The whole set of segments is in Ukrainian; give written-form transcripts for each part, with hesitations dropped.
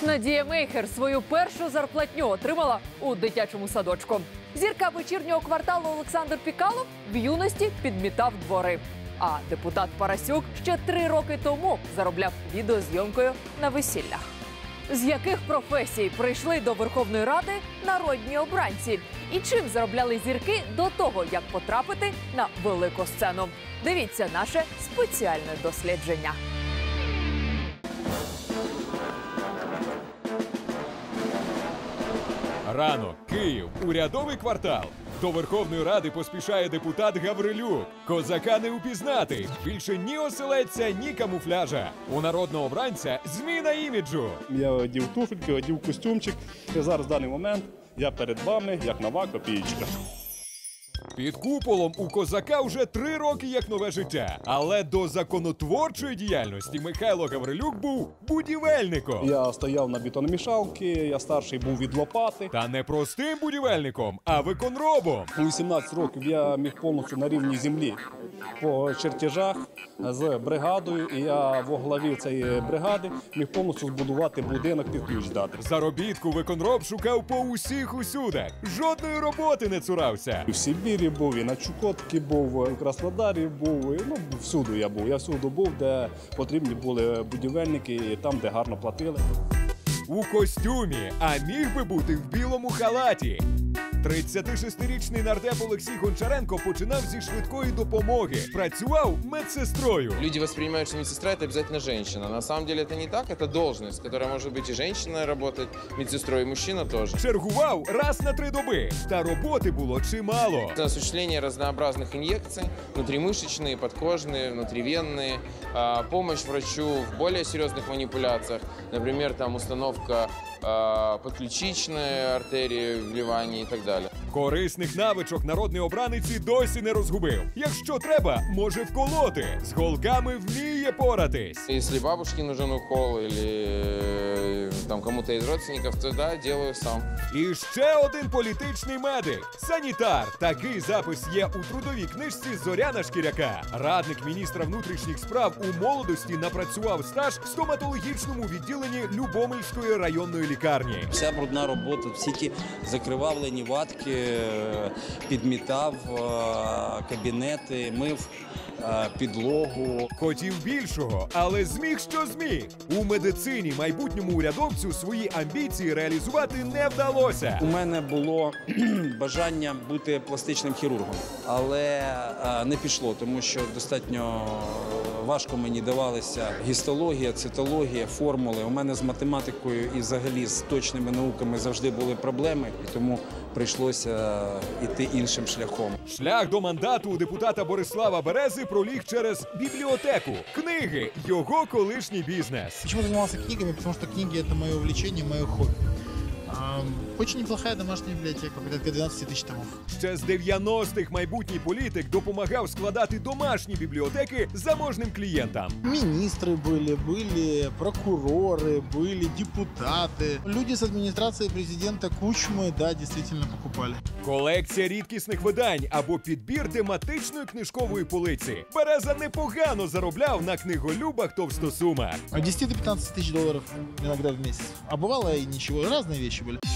Надія Мейхер свою першу зарплатню отримала у дитячому садочку. Зірка вечірнього кварталу Олександр Пікалов в юності підмітав двори. А депутат Парасюк ще 3 роки тому заробляв відеозйомкою на весіллях. З яких професій прийшли до Верховної Ради народні обранці? І чим заробляли зірки до того, як потрапити на велику сцену? Дивіться наше спеціальне дослідження. Ранок, Київ, урядовий квартал. До Верховної Ради поспішає депутат Гаврилюк. Козака не упізнати. Більше ні оселедця, ні камуфляжа. У народного обранця зміна іміджу. Я одів туфельки, одів костюмчик. І зараз в даний момент я перед вами, як нова копієчка. Під куполом у козака вже 3 роки як нове життя. Але до законотворчої діяльності Михайло Гаврилюк був будівельником. Я стояв на бетономішалці, я старший був від лопати. Та не простим будівельником, а виконробом. У 18 років я міг повністю на рівні землі по чертежах з бригадою. І я во главі цієї бригади міг повністю збудувати будинок під ключ дати. Заробітку виконроб шукав по усіх усюдах. Жодної роботи не цурався. І в Сибірі був, і на Чукотці був, і в Краснодарі був, і, всюди я був. Я всюди був, де потрібні були будівельники, і там, де гарно платили. У костюмі, а міг би бути в білому халаті. 36-річний нардеп Олексій Гончаренко починав зі швидкої допомоги. Працював медсестрою. Люди воспринимают, что медсестра – это обязательно женщина. На самом деле это не так, это должность, которая может быть и женщина работать, медсестрой, и мужчина тоже. Чергував раз на 3 доби. Та роботи було чимало. Осуществление разнообразных инъекций, внутримышечные, подкожные, внутривенные, помощь врачу в более серьезных манипуляциях, например, там установка подключичної артерії, вливання і так далі. Корисних навичок народний обранець і досі не розгубив. Якщо треба, може вколоти. З голками вміє поратись. Если бабушке нужен укол или там кому-то из родственников, то да, делаю сам. І ще один політичний медик – санітар. Такий запис є у трудовій книжці Зоряна Шкіряка. Радник міністра внутрішніх справ у молодості напрацював стаж в стоматологічному відділенні Любомльської районної лікарні. Вся брудна робота, всі ті закривавлені ватки, підмітав кабінети, мив підлогу. Хотів більшого, але зміг, що зміг. У медицині майбутньому урядовцю свої амбіції реалізувати не вдалося. У мене було бажання бути пластичним хірургом, але не пішло, тому що достатньо важко мені давалися гістологія, цитологія, формули. У мене з математикою і взагалі з точними науками завжди були проблеми, і тому прийшлося йти іншим шляхом. Шлях до мандату у депутата Борислава Берези проліг через бібліотеку. Книги – його колишній бізнес. Почему я занимался книгами? Потому что книги – это мое увлечение, мое хобби. Очень неплохая домашняя библиотека, порядка 12 тысяч томов. Ще з 90-х майбутній політик допомагав складати домашні бібліотеки заможним клієнтам. Министры были прокуроры, были депутаты. Люди с администрации президента Кучмы, да, действительно покупали. Колекція рідкісних видань або підбір тематичної книжкової полиці. Береза непогано заробляв на книголюбах товстосумах. От 10 до 15 тысяч долларов иногда в месяц. А бывало и ничего, разные вещи были.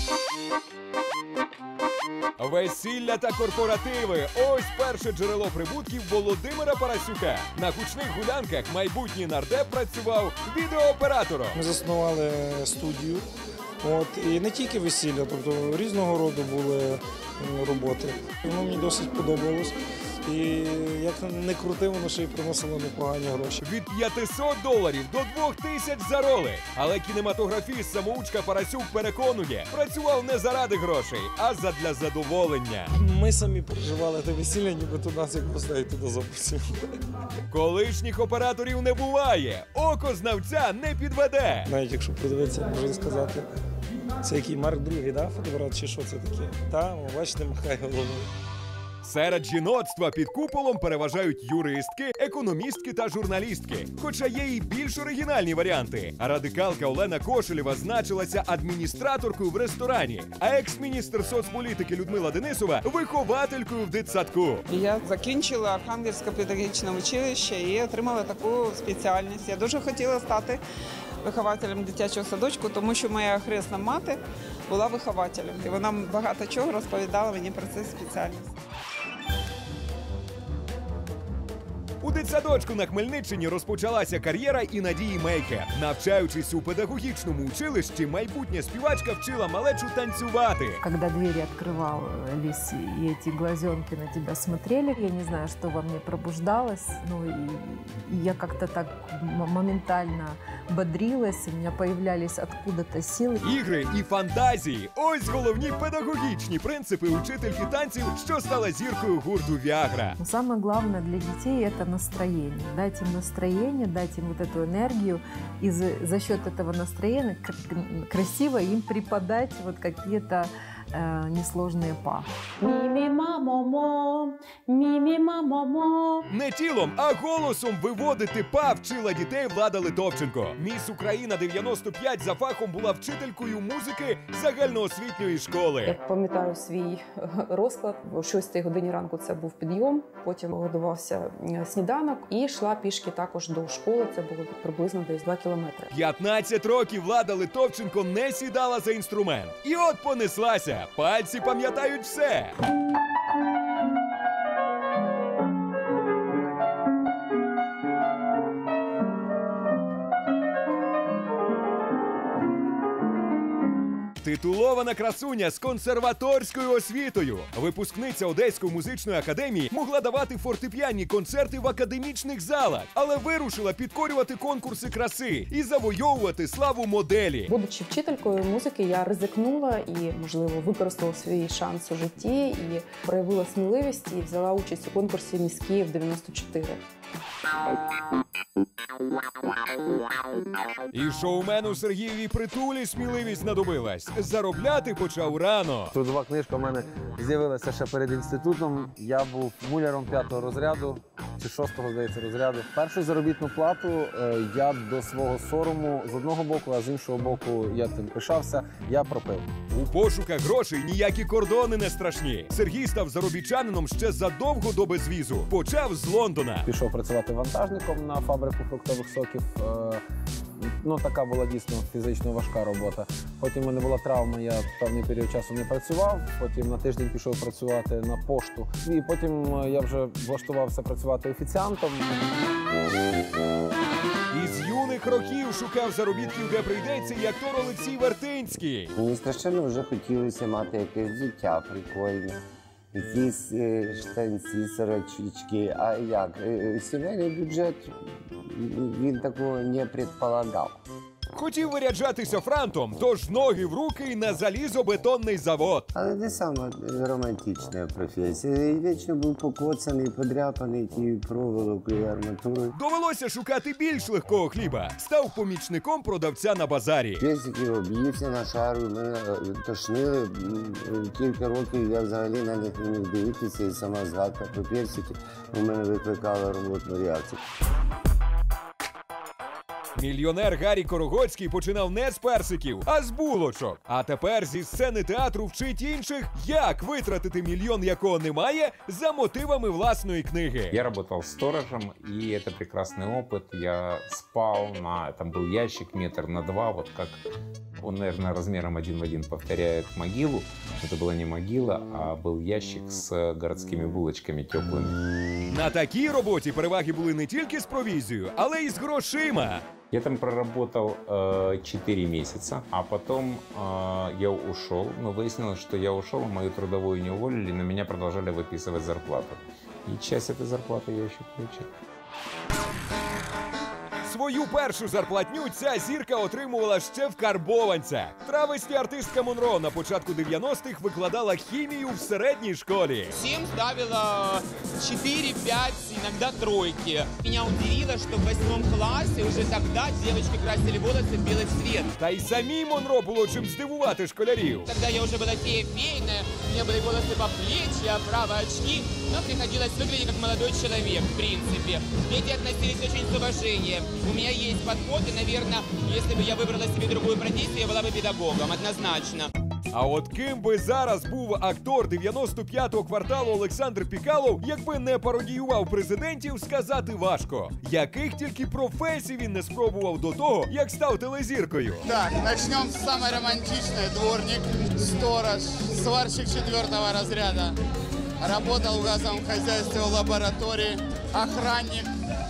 Весілля та корпоративи – ось перше джерело прибутків Володимира Парасюка. На гучних гулянках майбутній нардеп працював відеооператором. Ми заснували студію, і не тільки весілля, тобто різного роду були роботи. Воно мені досить подобалось. І як не крути, воно ще й приносило непогані гроші. Від $500 до 2000 за роли. Але кінематографіст самоучка Парасюк переконує, працював не заради грошей, а задля задоволення. Ми самі переживали те весілля, нібито нас як гостей туди запросили. Колишніх операторів не буває, око знавця не підведе. Навіть якщо подивитися, можна сказати, це який Марк II, да, фотоапарат, чи що це таке? Та, бачите, махає головою. Серед жіноцтва під куполом переважають юристки, економістки та журналістки. Хоча є і більш оригінальні варіанти. Радикалка Олена Кошелєва значилася адміністраторкою в ресторані, а екс-міністр соцполітики Людмила Денисова – вихователькою в дитсадку. Я закінчила Архангельське педагогічне училище і отримала таку спеціальність. Я дуже хотіла стати вихователем дитячого садочку, тому що моя хресна мати була вихователем. І вона багато чого розповідала мені про це спеціальність. У дитсадочку на Хмельниччині розпочалася кар'єра і Надії Мейхер. Навчаючись у педагогічному училищі, майбутня співачка вчила малечу танцювати. Когда двери открывались, и эти глазенки на тебя смотрели, я не знаю, что во мне пробуждалось, и я как-то так моментально бодрилась, у меня появлялись откуда-то силы. Ігри і фантазії – ось головні педагогічні принципи учительки танців, що стала зіркою гурту «Віагра». Но самое главное для детей – это настроение. Дать им настроение, дать им вот эту энергию, и за счет этого настроения красиво им преподать вот какие-то несложные па. Мі-мі-ма-мо-мо, мі-мі-ма-мо-мо. Не тілом, а голосом виводити па вчила дітей Влада Литовченко. Міс Україна 95 за фахом була вчителькою музики загальноосвітньої школи. Я пам'ятаю свій розклад. О 6 годині ранку це був підйом, потім готувався сніданок і йшла пішки також до школи. Це було приблизно десь 2 кілометри. 15 років Влада Литовченко не сідала за інструмент. І от понеслася. Пальці пам'ятають все. Титулована красуня з консерваторською освітою. Випускниця Одеської музичної академії могла давати фортепіанні концерти в академічних залах, але вирушила підкорювати конкурси краси і завойовувати славу моделі. Будучи вчителькою музики, я ризикнула і, можливо, використала свій шанс у житті і проявила сміливість і взяла участь у конкурсі «Міс Київ 94». І шоумену Сергієві Притулі сміливість знадобилась. Заробляти почав рано. Трудова книжка в мене з'явилася ще перед інститутом. Я був муляром 5-го розряду, чи 6-го, здається, розряду. Першу заробітну плату я до свого сорому з одного боку, а з іншого боку я тим пишався, я пропив. У пошуках грошей ніякі кордони не страшні. Сергій став заробітчанином ще задовго до безвізу. Почав з Лондона. Пішов працювати вантажником на фабрику фруктових соків. Така була дійсно фізично важка робота. Потім в мене була травма, я певний період часу не працював. Потім на тиждень пішов працювати на пошту. І потім я вже влаштувався працювати офіціантом. Із юних років шукав заробітків, де прийдеться, і актор Олексій Вертинський. Мені страшенно вже хотілося мати якесь життя прикольне. Якісь штанці, сорочечки. А як? Сімейний бюджет, він такого не предполагав. Хотів виряджатися франтом, тож ноги в руки і на залізобетонний завод. Але не саме романтична професія. Я вічно був покоцаний, подряпаний тією проволокою, арматурою. Довелося шукати більш легкого хліба. Став помічником продавця на базарі. Персики об'ївся на шару, мене тошнили. Кілька років я взагалі на них не міг дивитися, і сама згадка про персики у мене викликала роботну реакцію. Мільйонер Гаррі Корогоцький починав не з персиків, а з булочок. А тепер зі сцени театру вчить інших, як витратити мільйон, якого немає, за мотивами власної книги. Я работал сторожем, и это прекрасный опыт. Я спал там был ящик 1 метр на 2, вот как он, наверное, размером 1 в 1 повторяет могилу. Это была не могила, а был ящик с городскими булочками теплыми. На такій роботі переваги були не тільки з провізією, але й з грошима. Я там проработал 4 месяца, а потом я ушел. Но выяснилось, что я ушел, мою трудовую не уволили, на меня продолжали выписывать зарплату. И часть этой зарплаты я еще получил. Свою першу зарплатню ця зірка отримувала ще в карбованцях. Травесті артистка Монро на початку 90-х викладала хімію в середній школі. Всем ставила 4, 5, иногда тройки. Меня удивило, что в 8 классе уже тогда девочки красили волосы в белый цвет. Та й самій Монро було чим здивувати школярів. Тогда я уже была фея-фейная, у меня были волосы по плечи, оправа, очки, но приходилось выглядеть как молодой человек, в принципе. Дети относились очень с уважением. У меня есть подход, и, наверное, если бы я выбрала себе другую профессию, я была бы педагогом, однозначно. А от ким би зараз був актор 95-го кварталу Олександр Пікалов, якби не пародіював президентів, сказати важко. Яких тільки професій він не спробував до того, як став телезіркою. Так, начнем с самой романтичной. Дворник, сторож, сварщик 4-го разряда. Работал в газовом хозяйстве, в лаборатории, охранник.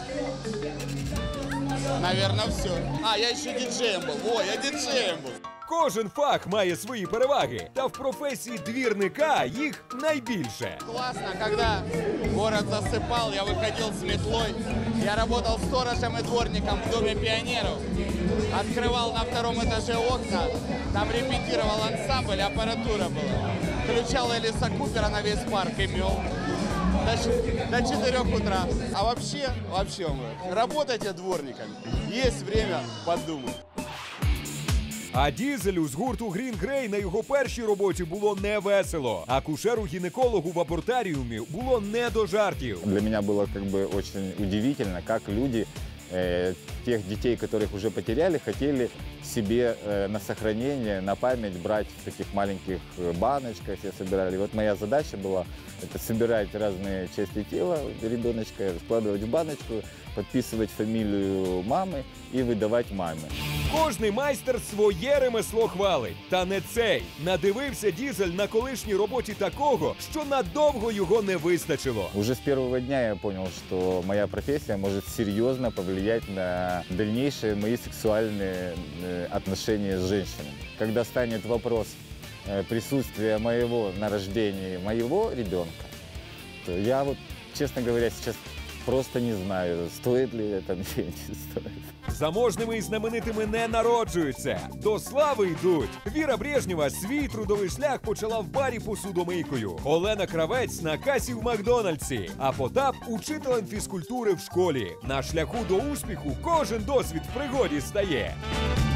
Наверное, все. Я еще диджеем был. Я диджеем был. Кожен фах має свої переваги, та в професії двірника їх найбільше. Классно, когда город засыпал, я выходил с метлой. Я работал сторожем и дворником в Доме пионеров. Открывал на 2-м этаже окна, там репетировал ансамбль, аппаратура была. Включал Элиса Купера на весь парк и мел. До 4 утра. А вообще, работайте дворниками. Есть время подумать. А Дізелю з гурту Green Grey на його першій роботі було не весело. Акушеру-гінекологу в абортаріумі було не до жартів. Для меня было очень удивительно, как люди тех детей, которых уже потеряли, хотели себе на сохранение, на память брать в таких маленьких баночках, все собирали. И вот моя задача была это собирать разные части тела ребеночка, складывать в баночку, подписывать фамилию мамы и выдавать маме. Кожний майстер своє ремесло хвалить. Та не цей. Надивився Дізель на колишній роботі такого, що надовго його не вистачило. Уже с первого дня я понял, что моя профессия может серьезно повлиять на дальнейшие мои сексуальные отношения с женщинами. Когда станет вопрос присутствия моего на рождении моего ребенка, то я честно говоря, сейчас просто не знаю, стоит ли это или не стоит. Заможними і знаменитими не народжуються, до слави йдуть. Віра Брежнєва свій трудовий шлях почала в барі посудомийкою. Олена Кравець на касі в Макдональдсі, а Потап – учителем фізкультури в школі. На шляху до успіху кожен досвід в пригоді стає.